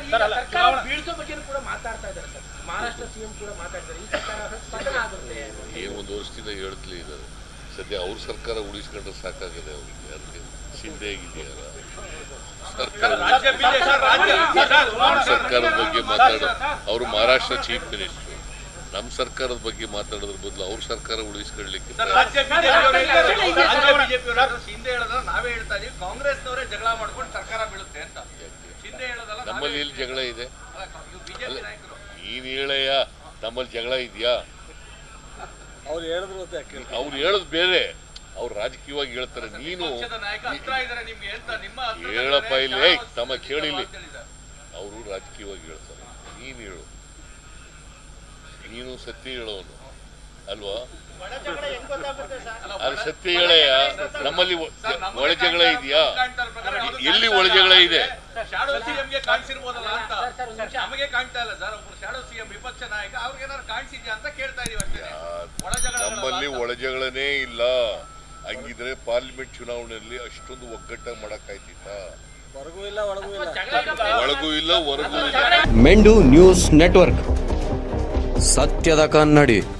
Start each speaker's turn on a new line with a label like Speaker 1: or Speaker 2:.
Speaker 1: ಸರ್ಕಾರ ಬೀಳ್ಸೋ ಬಗ್ಗೆ ಕೂಡ ಮಾತಾಡ್ತಾ ಇದ್ದಾರೆ ಸರ್. ಮಹಾರಾಷ್ಟ್ರ ಸಿಎಂ ಕೂಡ ಮಾತಾಡ್ತಾರೆ, ಈ ಸರ್ಕಾರ ಪತನ ಆಗುತ್ತೆ.
Speaker 2: ಏನು ಒಂದು ವರ್ಷದಿಂದ ಹೇಳ್ತಲೇ ಇದ್ದಾರೆ. ಸದ್ಯ ಅವ್ರ ಸರ್ಕಾರ ಉಳಿಸ್ಕೊಂಡ್ರೆ ಸಾಕಾಗಿದೆ ಅವ್ರಿಗೆ. ಯಾರಿಗೆ ಶಿಂದೆ ಆಗಿದೆಯಲ್ಲ, ಸರ್ಕಾರದ ಬಗ್ಗೆ ಮಾತಾಡೋ ಅವರು ಮಹಾರಾಷ್ಟ್ರ ಚೀಫ್ ಮಿನಿಸ್ಟರ್. ನಮ್ಮ ಸರ್ಕಾರದ ಬಗ್ಗೆ ಮಾತಾಡೋದ್ರ ಬದಲು ಅವ್ರ ಸರ್ಕಾರ ಉಳಿಸ್ಕೊಳ್ಳಿಕ್ಕೆ
Speaker 3: ನಾವೇ ಹೇಳ್ತಾ ಇದೀವಿ, ಕಾಂಗ್ರೆಸ್ನವರೇ ಜಗಳ ಮಾಡ್ಕೊಂಡು ಸರ್ಕಾರ ಬೀಳುತ್ತೆ ಅಂತ.
Speaker 2: ನಮ್ಮಲ್ಲಿ ಎಲ್ಲಿ ಜಗಳ ಇದೆ? ನೀನ್ ಹೇಳಯ್ಯ, ನಮ್ಮಲ್ಲಿ ಜಗಳ ಇದೆಯಾ? ಅವ್ರು ಹೇಳೋದು ಬೇರೆ, ಅವ್ರು ರಾಜಕೀಯವಾಗಿ ಹೇಳ್ತಾರೆ. ನೀನು ಹೇಳಪ್ಪ ಇಲ್ಲಿ, ತಮ್ಮ ಕೇಳಿಲಿ, ಅವರು ರಾಜಕೀಯವಾಗಿ ಹೇಳ್ತಾರೆ. ನೀನು ಹೇಳು, ನೀನು ಸತ್ಯ ಹೇಳೋನು ಅಲ್ವಾ? ಅದು ಸತ್ಯ ಹೇಳಯ್ಯ. ನಮ್ಮಲ್ಲಿ ಒಳ ಜಗಳ ಇದೆಯಾ? ಎಲ್ಲಿ ಒಳ ಜಗಳ ಇದೆ?
Speaker 3: ಶಾಡೋ ಸಿಎಂಗೆ ಕಾಣಿಸಿರ್ಬೋದಲ್ಲ ಅಂತ ನಮಗೆ ಕಾಣ್ತಾ ಇಲ್ಲ ಸರ್. ಒಬ್ರು ಶಾಡೋ ಸಿಎಂ ವಿಪಕ್ಷ ನಾಯಕ, ಅವ್ರಿಗೆ ಏನಾದ್ರು ಕಾಣಿಸಿದ್ಯಾ ಅಂತ ಕೇಳ್ತಾ ಇದೀವಿ ಅಷ್ಟೇ.
Speaker 2: ನಮ್ಮಲ್ಲಿ ಒಳ ಜಗಳನೇ ಇಲ್ಲ. ಹಂಗಿದ್ರೆ ಪಾರ್ಲಿಮೆಂಟ್ ಚುನಾವಣೆಯಲ್ಲಿ ಅಷ್ಟೊಂದು ಒಗ್ಗಟ್ಟಾಗಿ ಮಾಡಕ್ಕಾಯ್ತಿತ್ತ? ಒಳಗೂ ಇಲ್ಲ ಹೊರಗೂ ಇಲ್ಲ.
Speaker 4: ಮೆಂಡು ನ್ಯೂಸ್ ನೆಟ್ವರ್ಕ್, ಸತ್ಯದ ಕನ್ನಡಿ.